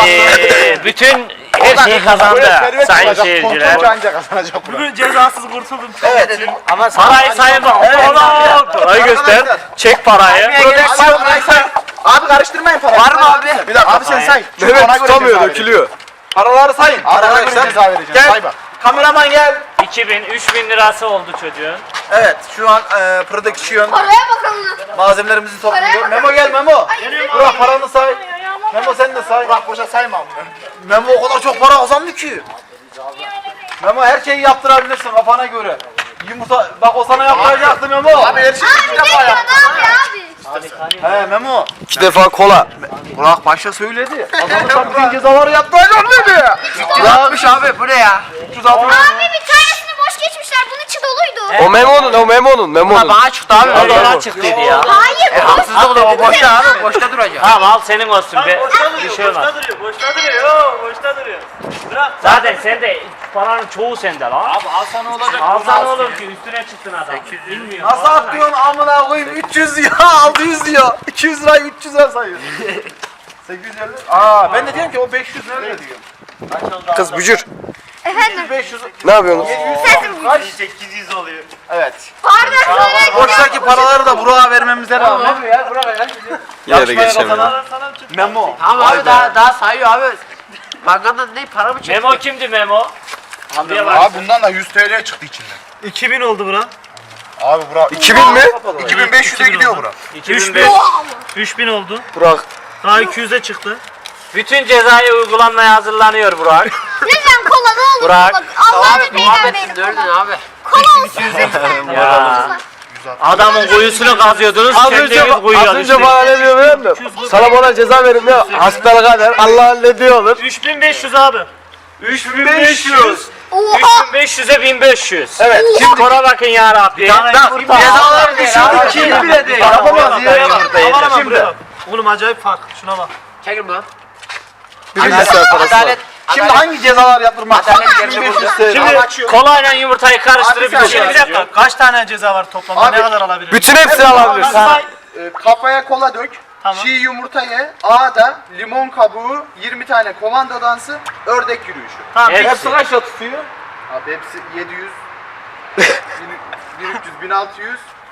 [SPEAKER 3] bütün her şeyi kazandı sayın seyirciler.
[SPEAKER 1] Anca kazanacak Burak.
[SPEAKER 4] Bugün cezasız kurtuldum.
[SPEAKER 1] Evet.
[SPEAKER 3] Ama parayı sayın bak. Parayı göster. Çek parayı.
[SPEAKER 1] Prodüksiyon. Abi karıştırmayın paraları. Var mı abi? Bir dakika. Abi sen say. Çünkü ona
[SPEAKER 2] Mehmet
[SPEAKER 1] göre
[SPEAKER 2] tutamıyor
[SPEAKER 1] ceza
[SPEAKER 2] dökülüyor.
[SPEAKER 1] Paraları sayın. Arkadaşlar
[SPEAKER 7] ceza vereceğim.
[SPEAKER 1] Gel.
[SPEAKER 7] Say bak.
[SPEAKER 1] Kameraman gel.
[SPEAKER 3] 2000, 3000 lirası oldu çocuğun.
[SPEAKER 1] Evet şu an prodüksiyon
[SPEAKER 6] Paraya bakalım.
[SPEAKER 1] malzemelerimizi topluyor.
[SPEAKER 6] Paraya bak.
[SPEAKER 1] Memo gel Memo.
[SPEAKER 6] Ay,
[SPEAKER 1] Burak paranı say. Memo sen de say. Burak boşa saymam. Memo o kadar çok para kazandı ki. Memo her şeyi yaptırabilirsin kafana göre. Yumurta bak o sana yaptıracaktı Memo. Abi her şeyi
[SPEAKER 6] Abi ne diyor ne yapıyor abi?
[SPEAKER 1] He Memo.
[SPEAKER 2] 2 defa kola.
[SPEAKER 1] Burak başta söyledi. Kazanırsam bütün cezaları yaptıracağım dedi.
[SPEAKER 5] Güzelmiş abi bu ne ya?
[SPEAKER 1] 360.
[SPEAKER 6] Abi bir tanesini boş geçmişler. Bunun içi doluydu.
[SPEAKER 2] O Memo'nun.
[SPEAKER 5] Bana çıktı abi.
[SPEAKER 3] O da ona çıktı dedi ya.
[SPEAKER 6] Hayır boş.
[SPEAKER 5] Haksızlık olur o boşta abi. Boşta duracak.
[SPEAKER 3] Tamam al senin olsun be. Bir şey olmaz.
[SPEAKER 4] Boşta duruyor. Boşta duruyor. Yo, boşta duruyor. Bırak.
[SPEAKER 3] Zaten sende paranın çoğu sende lan.
[SPEAKER 1] Abi al sana olacak.
[SPEAKER 3] Alsan olur ki üstüne çıktın adam. Bilmiyorum.
[SPEAKER 1] Nasıl atlıyorsun amına koyayım 300 diyor 600 diyor 200 lirayı 300 lira sayıyor. 850. Aa ben de diyorum ki o 500 nerede diyorum.
[SPEAKER 2] Kız bücür.
[SPEAKER 6] Efendim.
[SPEAKER 1] 500.
[SPEAKER 2] Ne yapıyorsunuz?
[SPEAKER 6] Sesim
[SPEAKER 1] Kaç?
[SPEAKER 4] 800 oluyor.
[SPEAKER 1] Evet.
[SPEAKER 6] Pardon söyle.
[SPEAKER 1] Boştaki paraları da Burak'a vermemize rağmen.
[SPEAKER 2] Yine de geçemedim.
[SPEAKER 4] Sana
[SPEAKER 1] Memo.
[SPEAKER 5] Tamam abi daha sayıyor abi. Bankandan ne para mı çekiyor?
[SPEAKER 3] Memo kimdi Memo? Buraya bak.
[SPEAKER 7] Abi bundan da 100 TL çıktı içinden.
[SPEAKER 4] 2000 oldu bura.
[SPEAKER 7] Abi Burak
[SPEAKER 2] 2000 mi?
[SPEAKER 7] 2500'e gidiyor Burak.
[SPEAKER 3] 2005.
[SPEAKER 4] 3000 oldu.
[SPEAKER 2] Burak.
[SPEAKER 4] Daha 200'e çıktı.
[SPEAKER 3] Bütün cezayı uygulanmaya hazırlanıyor Burak.
[SPEAKER 6] Lütfen kola ne olur.
[SPEAKER 3] Bırak.
[SPEAKER 6] Kola. Allah'ını
[SPEAKER 5] Abi muhabbetsin
[SPEAKER 6] peygamberim
[SPEAKER 5] dördün
[SPEAKER 6] kola.
[SPEAKER 5] abi.
[SPEAKER 6] Kola olsun lütfen.
[SPEAKER 3] Ya. Adamın kuyusunu kazıyordunuz, kendiniz kuyuya
[SPEAKER 2] Az önce
[SPEAKER 3] düştünüz.
[SPEAKER 2] bana ne diyor biliyor musun? Sana bana ceza verin diyor. Hasbel kader. Allah ne diyor?
[SPEAKER 4] 3500 abi.
[SPEAKER 3] 3500.
[SPEAKER 6] Oha.
[SPEAKER 3] 3500'e 1500.
[SPEAKER 1] Evet.
[SPEAKER 3] Skora bakın ya Rabbi.
[SPEAKER 1] Cezaları düşürdük ki bile değil. Yapamaz ya.
[SPEAKER 4] Aman aman
[SPEAKER 1] Şimdi.
[SPEAKER 4] buraya bak. Oğlum acayip fark. Şuna bak.
[SPEAKER 5] Çekin lan.
[SPEAKER 2] Bir bilgisayar parası var.
[SPEAKER 1] Şimdi hangi cezalar yaptırmak?
[SPEAKER 5] Adalet gerçek burada.
[SPEAKER 3] Şimdi kolayla yumurtayı karıştırıp
[SPEAKER 1] Abi sen-
[SPEAKER 3] içine
[SPEAKER 4] Bir dakika. Kaç tane ceza var toplamda?
[SPEAKER 1] Abi,
[SPEAKER 4] Ne kadar alabilirim?
[SPEAKER 2] Bütün hepsini alabilirsin.
[SPEAKER 4] Say.
[SPEAKER 8] Kafaya kola dök,
[SPEAKER 4] Tamam.
[SPEAKER 8] çiğ yumurta ye, A'da limon kabuğu, 20 tane komando dansı, ördek yürüyüşü.
[SPEAKER 4] Tamam.
[SPEAKER 3] Hepsi.
[SPEAKER 1] Hepsi kaç lira tutuyor?
[SPEAKER 8] Abi hepsi 700, 1300, 1600,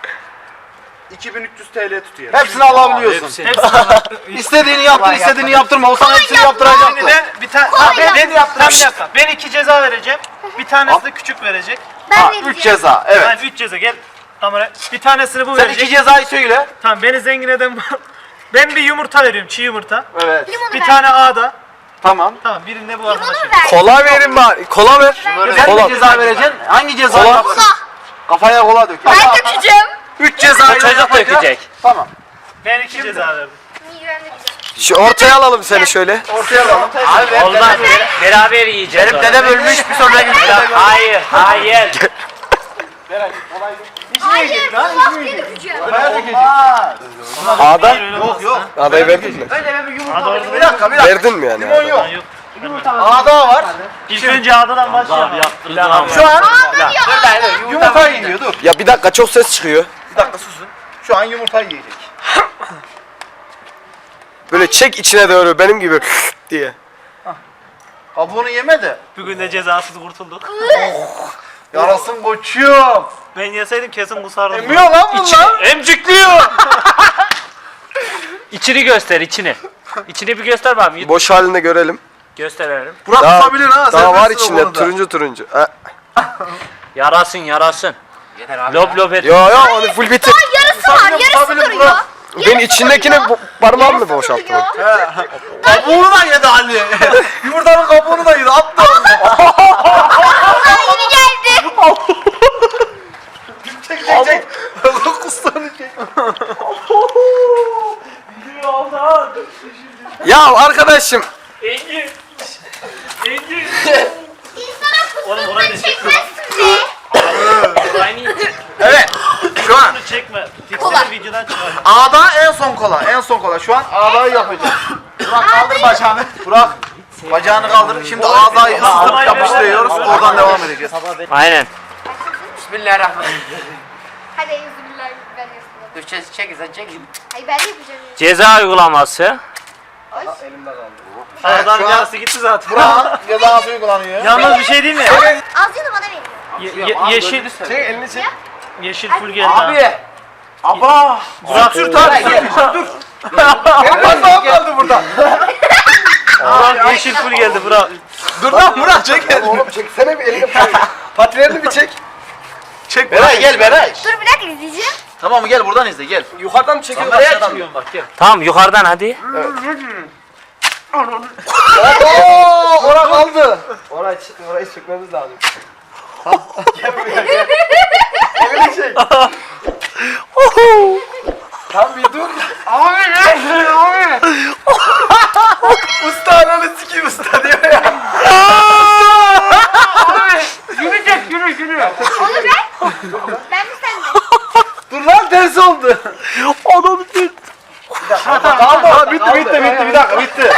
[SPEAKER 8] 2300 TL tutuyor.
[SPEAKER 1] Hepsini alabiliyorsun. İstediğini yaptır, istediğini yaptırma. O sana hepsini yaptıracaktı.
[SPEAKER 4] Şimdi de bir tane ben yaptım. Bir dakika. Ben 2 ceza vereceğim. Bir tanesi de küçük verecek.
[SPEAKER 6] Ben
[SPEAKER 1] Ha,
[SPEAKER 6] vereceğim.
[SPEAKER 1] 3 ceza. Evet.
[SPEAKER 4] Yani 3 ceza gel. Kamera. Bir tanesini bu
[SPEAKER 1] Sen
[SPEAKER 4] verecek.
[SPEAKER 1] 2 cezayı söyle.
[SPEAKER 4] Tamam beni zengin eden bu. Ben bir yumurta veriyorum. Çiğ yumurta.
[SPEAKER 1] Evet.
[SPEAKER 6] Limonu
[SPEAKER 4] Bir
[SPEAKER 6] ver.
[SPEAKER 4] tane A'da.
[SPEAKER 1] Tamam.
[SPEAKER 4] Tamam birinde bu
[SPEAKER 6] Limonu
[SPEAKER 4] arkadaş.
[SPEAKER 6] ver.
[SPEAKER 2] Kola verin bari. Kola ver.
[SPEAKER 1] Sen
[SPEAKER 2] Kola.
[SPEAKER 1] de ceza vereceksin. Hangi ceza
[SPEAKER 2] Kola.
[SPEAKER 1] yaparsın? Kafaya kola dök.
[SPEAKER 6] Ben dökeceğim.
[SPEAKER 1] 3 cezayı
[SPEAKER 3] O çocuk
[SPEAKER 1] yapacak.
[SPEAKER 3] dökecek.
[SPEAKER 1] Tamam.
[SPEAKER 4] Ben 2 ceza verdim.
[SPEAKER 6] Migren dökeceğim.
[SPEAKER 2] Şu ortaya alalım seni şöyle.
[SPEAKER 1] Ortaya alalım.
[SPEAKER 5] Abi
[SPEAKER 3] Olmaz. Beraber yiyeceğiz.
[SPEAKER 5] benim dedem ölmüş bir sonraki
[SPEAKER 3] Hayır, hayır.
[SPEAKER 6] Hayır. Bak diye dökeceğim.
[SPEAKER 1] Kafaya dökecek.
[SPEAKER 2] A'da.
[SPEAKER 1] Yok yok.
[SPEAKER 2] A'dayı verdin mi?
[SPEAKER 1] Bir dakika bir dakika.
[SPEAKER 2] Verdin mi yani?
[SPEAKER 1] Limon yok.
[SPEAKER 4] Yok.
[SPEAKER 1] A'da var.
[SPEAKER 4] İlk önce A'dan başlayalım.
[SPEAKER 1] Şu an
[SPEAKER 6] Aa,
[SPEAKER 1] yumurta yiyor dur.
[SPEAKER 2] Ya bir dakika çok ses çıkıyor.
[SPEAKER 1] Bir dakika susun. Şu an yumurta yiyecek.
[SPEAKER 2] Böyle çek içine doğru benim gibi diye.
[SPEAKER 1] Kabuğunu yeme de.
[SPEAKER 4] Bugün de cezasız kurtulduk.
[SPEAKER 1] Yarasın koçum.
[SPEAKER 4] Ben yeseydim kesin kusardım.
[SPEAKER 1] Emiyor lan bunlar.
[SPEAKER 3] Emcikliyor. İçini göster, içini. İçini bir göster bana.
[SPEAKER 2] Boş halinde görelim.
[SPEAKER 3] Gösterelim.
[SPEAKER 1] Burak
[SPEAKER 2] Daha-
[SPEAKER 1] tutabilir ha.
[SPEAKER 2] Daha var
[SPEAKER 1] serbestsin o
[SPEAKER 2] içinde
[SPEAKER 1] konuda.
[SPEAKER 2] turuncu turuncu. Ha.
[SPEAKER 3] Yarasın, yarasın.
[SPEAKER 5] Yeter abi.
[SPEAKER 3] Lop lop et.
[SPEAKER 2] Yo yo onu full bitir.
[SPEAKER 6] Yarısı var, yarısı
[SPEAKER 1] tutabilir
[SPEAKER 6] duruyor.
[SPEAKER 1] Burak.
[SPEAKER 2] Ben içindekini parmağımla
[SPEAKER 6] Yarısı
[SPEAKER 2] boşalttım.
[SPEAKER 6] duruyor.
[SPEAKER 1] Kabuğunu da yedi Ali. Yumurtanın kabuğunu da yedi. Attı.
[SPEAKER 6] Bana yeni geldi.
[SPEAKER 1] Çek. Kustanı çek.
[SPEAKER 2] Ya arkadaşım.
[SPEAKER 3] Engin. Engin.
[SPEAKER 6] İnsana
[SPEAKER 4] Oğlum orayı da
[SPEAKER 6] kusturma
[SPEAKER 4] çekme.
[SPEAKER 6] çekmezsin de.
[SPEAKER 4] Aynı
[SPEAKER 1] Evet. Şu an
[SPEAKER 4] Bunu çekme.
[SPEAKER 6] Kola.
[SPEAKER 4] Tipsini videodan çıkar.
[SPEAKER 1] A'da en son kola. En son kola. Şu an A'dayı yapacağız. Burak kaldır bacağını. Burak. Bacağını kaldır. Şimdi A'dayı ısıtıp yapıştırıyoruz. Oradan devam edeceğiz.
[SPEAKER 3] Aynen.
[SPEAKER 5] Bismillahirrahmanirrahim.
[SPEAKER 6] Hadi yüzübillah ben yapayım.
[SPEAKER 5] Dur çek sen çek.
[SPEAKER 6] Hayır ben de yapacağım.
[SPEAKER 3] Ceza uygulaması.
[SPEAKER 4] Adam
[SPEAKER 1] şu an-
[SPEAKER 4] yarısı gitti zaten.
[SPEAKER 1] Burak cezası uygulanıyor.
[SPEAKER 4] Yalnız bir şey değil mi?
[SPEAKER 6] Ağzını bana verin.
[SPEAKER 4] Yeşil.
[SPEAKER 2] Çek elini çek.
[SPEAKER 4] Yeşil full geldi. ha.
[SPEAKER 5] Abi. Aba.
[SPEAKER 4] Burak sür dur.
[SPEAKER 1] Benim parmağım kaldı burada.
[SPEAKER 4] Burak yeşil full geldi Burak.
[SPEAKER 1] Dur lan Burak çek.
[SPEAKER 2] Oğlum çeksene bir elini patilerini bir çek.
[SPEAKER 1] Çek. Beray gel Beray.
[SPEAKER 6] Dur bir dakika izleyeceğim.
[SPEAKER 1] Tamam mı gel buradan izle gel.
[SPEAKER 2] Yukarıdan mı çekiyorsun
[SPEAKER 1] Kameraya
[SPEAKER 2] aşağıdan mı?
[SPEAKER 1] çıkıyorum bak gel.
[SPEAKER 3] Tamam yukarıdan hadi.
[SPEAKER 2] Ooo ora kaldı. Orayı çekmemiz lazım. Gel buraya gel. Elini çek. Tam bir dur. Abi. Usta ananı sikeyim usta diyor ya.
[SPEAKER 6] Onu ver. Ben mi sende?
[SPEAKER 1] Dur lan ters oldu.
[SPEAKER 3] Adam dur.
[SPEAKER 1] Kaldı. Bitti bir dakika bitti.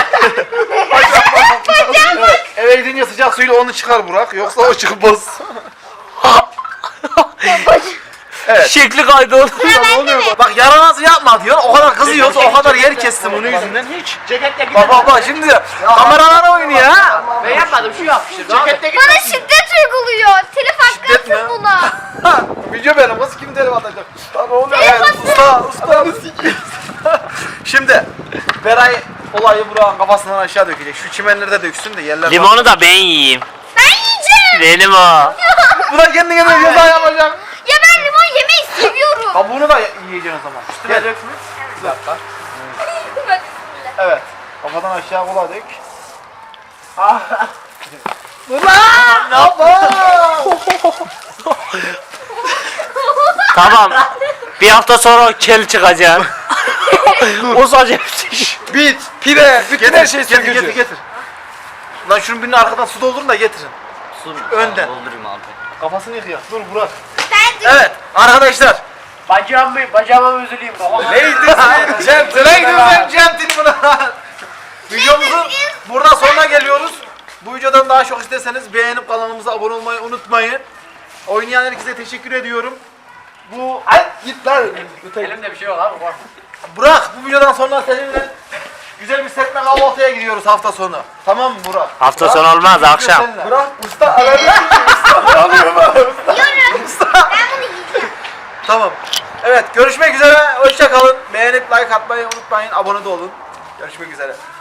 [SPEAKER 1] Eve gidince sıcak suyla onu çıkar Burak. Yoksa o çıkmaz.
[SPEAKER 3] Şekli kaydı.
[SPEAKER 1] Bak yaramazı yapma diyor. O kadar kızıyorsa o kadar yer kestim onun yüzünden hiç. Bak şimdi kameralar oynuyor ha.
[SPEAKER 5] Ben yapmadım şu yapmıştır.
[SPEAKER 6] Bana şiddet uyguluyor. Telif
[SPEAKER 1] Şiddet mi?
[SPEAKER 6] hakkı atın buna.
[SPEAKER 1] Video benim. Kız kim telif atacak?
[SPEAKER 2] Lan oğlum.
[SPEAKER 1] Ustanı sikeyim. Şimdi Beray olayı Burak'ın kafasından aşağı dökecek. Şu çimenlerde döksün de yerler.
[SPEAKER 3] Limonu da ben yiyeyim.
[SPEAKER 6] Ben yiyeceğim.
[SPEAKER 3] Benim o.
[SPEAKER 1] Bu da kendine de ceza yapacak.
[SPEAKER 6] Ya ben limon yemeyi seviyorum.
[SPEAKER 1] Kabuğunu da yiyeceksin o zaman. Gel. Bir dakika.
[SPEAKER 6] Bak,
[SPEAKER 1] Evet. Kafadan aşağı kola dök.
[SPEAKER 3] Tamam. Bir hafta sonra kel çıkacaksın. O sadece
[SPEAKER 2] Bit, pide, bütün her şey
[SPEAKER 1] getir,
[SPEAKER 2] sökücü.
[SPEAKER 1] getir. Lan şunun birine arkadan su doldurun da getirin. Önden.
[SPEAKER 3] Doldurayım abi.
[SPEAKER 1] Kafasını yıkıyor. Dur Burak.
[SPEAKER 6] Ben de
[SPEAKER 1] Evet arkadaşlar.
[SPEAKER 5] Bacağıma üzüleyim baba.
[SPEAKER 1] Neydi sen? Centil centil buna. Videomuzun burada sonuna geliyoruz. Bu videodan daha çok isterseniz beğenip kanalımıza abone olmayı unutmayın. Oynayan herkese teşekkür ediyorum. Bu
[SPEAKER 2] Git lan.
[SPEAKER 5] Elimde bir şey yok abi. Bak.
[SPEAKER 1] Burak bu videodan sonra seninle güzel bir serpme kahvaltıya gidiyoruz hafta sonu. Tamam mı Burak?
[SPEAKER 3] Hafta sonu olmaz akşam.
[SPEAKER 1] Seninle.
[SPEAKER 2] Bırak usta aradı.
[SPEAKER 6] yiyorum. Ben bunu yiyeceğim.
[SPEAKER 1] Tamam. Evet görüşmek üzere. Hoşça kalın. Beğenip like atmayı unutmayın. Abone de olun. Görüşmek üzere.